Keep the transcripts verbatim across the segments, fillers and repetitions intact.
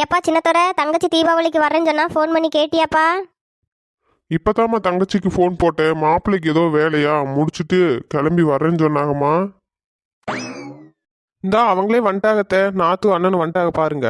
ஏப்பா சின்னத்தோர தங்கச்சி தீபாவளிக்கு வரேன்னு சொன்னா ஃபோன் பண்ணி கேட்டியாப்பா? இப்பதாம்மா தங்கச்சிக்கு ஃபோன் போட்டேன். மாப்பிள்ளைக்கு ஏதோ வேலையா முடிச்சுட்டு கிளம்பி வரேன்னு சொன்னாங்கம்மா. இந்தா அவங்களே வந்துட்டாகத்த, நாத்து அண்ணன் வந்துட்டாக பாருங்க.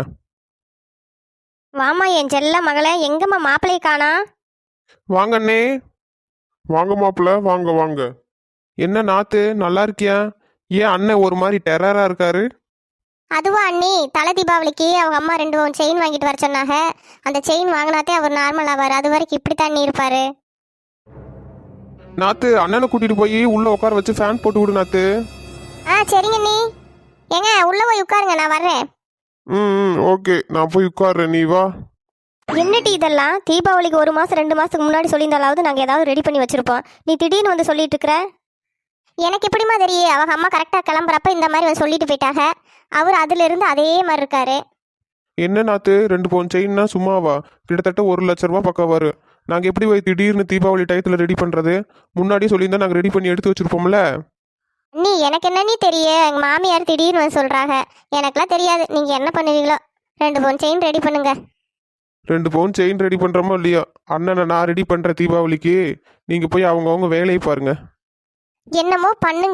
வாமா என் செல்ல மகளே, எங்கம்மா மாப்பிள்ளையை காணா? வாங்க அண்ணே. வாங்க மாப்பிள்ள, வாங்க வாங்க. என்ன நாத்து, நல்லா இருக்கியா? ஏன் அண்ணன் ஒரு மாதிரி டெரரா இருக்காரு? அதுவா அண்ணி, தலை தீபாவளிக்கு அவங்க அம்மா ரெண்டு மூணு செயின் வாங்கிட்டு வர சொன்னாங்க. அந்த செயின் வாங்கினாத்தே அவர் நார்மல் ஆவார். அது வரைக்கும் இப்படி தண்ணி இருப்பாரு. நாத்து அண்ணனை கூட்டிட்டு போய் உள்ள உட்கார வச்சு ஃபேன் போட்டு விடு நாத்து. ஆ சரிங்க அண்ணி. ஏங்க உள்ள போய் உட்காருங்க, நான் வர்றேன். ம் ம் ஓகே, நான் போய் உட்கார்றேன், நீ வா. என்னட்டி இதெல்லாம்? தீபாவளிக்கு ஒரு மாசம் ரெண்டு மாசத்துக்கு முன்னாடி சொல்லியிருந்தாலாவது நாங்கள் ஏதாவது ரெடி பண்ணி வச்சிருப்போம். நீ திடீர்னு வந்து சொல்லிட்டு இருக்கிற. எனக்கு எப்படிமா தெரியும்? அவங்க அம்மா கரெக்டாக கிளம்புறப்ப இந்த மாதிரி வந்து சொல்லிட்டு போயிட்டாங்க. அவர் அதுல இருந்து அதே மாதிரி இருக்காரு. என்ன நாத்து, ரெண்டு பவுன் செயின்னா சும்மாவா? கிட்டத்தட்ட ஒரு லட்ச ரூபா பக்கம் வரும். நாங்க எப்படி போய் திடீர்னு தீபாவளி டயத்துல ரெடி பண்றது? முன்னாடியே சொல்லியிருந்தா நாங்க ரெடி பண்ணி எடுத்து வச்சிருப்போம்ல. நீ எனக்கு என்னன்னு தெரியும்? எங்கள் மாமியார் திடீர்னு வந்து சொல்கிறாங்க. எனக்கெல்லாம் தெரியாது. நீங்கள் என்ன பண்ணுவீங்களோ. ரெண்டு பவுன் செயின் ரெடி பண்ணுங்க. ரெண்டு பவுன் செயின் ரெடி பண்றோமோ இல்லையோ, அண்ணனை நான் ரெடி பண்ற தீபாவளிக்கு. நீங்க போய் அவங்கவுங்க வேலையை பாருங்க. என்னமோ பண்ணுங்க.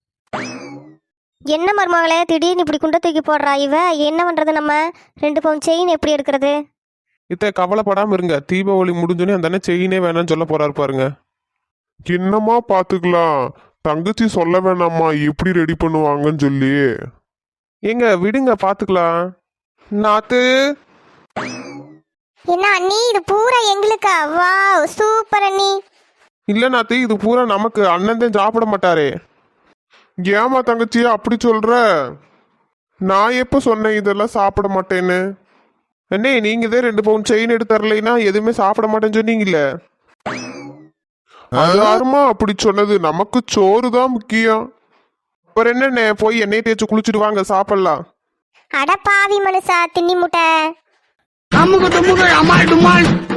என்ன மருமகளே திடீர்னு இப்படி குண்டை தூக்கி போடுறா இவ? என்ன பண்ணுறது நம்ம? ரெண்டு பவுன் செயின் எப்படி எடுக்கிறது? இத்த கவலைப்படாம இருங்க, தீபாவளி முடிஞ்சோடனே அந்த அண்ணன் செயினே வேணாம்னு சொல்ல போறாரு பாருங்க. என்னம்மா பாத்துக்கலாம், தங்கச்சி சொல்ல வேணாம்மா எப்படி ரெடி பண்ணுவாங்கன்னு சொல்லி. ஏங்க விடுங்க, பாத்துக்கலாம். நாத்து, என்ன அண்ணி, இது பூரா எங்களுக்கா? வாவ் சூப்பர் அண்ணி. இல்ல நாத்து, இது பூரா நமக்கு. அண்ணன் தான் சாப்பிட மாட்டாரே. ஏமா தங்கச்சியா அப்படி சொல்ற? நான் எப்ப சொன்னேன் இதெல்லாம் சாப்பிட மாட்டேன்னு? அண்ணே, நீங்க தான் ரெண்டு பவுன் செயின் எடுத்து தரலைன்னா எதுவுமே சாப்பிட மாட்டேன்னு சொன்னீங்கல்ல. அது யாருமா அப்படி சொன்னது? நமக்கு சோறு தான் முக்கியம். அப்புறம் என்னண்ணே, போய் எண்ணெய் தேய்ச்சி குளிச்சுட்டு வாங்க, சாப்பிடலாம். அட பாவி மனுஷா, தின்னி முட்டை. அம்முக்கு தும்முக்கு அம்மாள் டும்மாள்.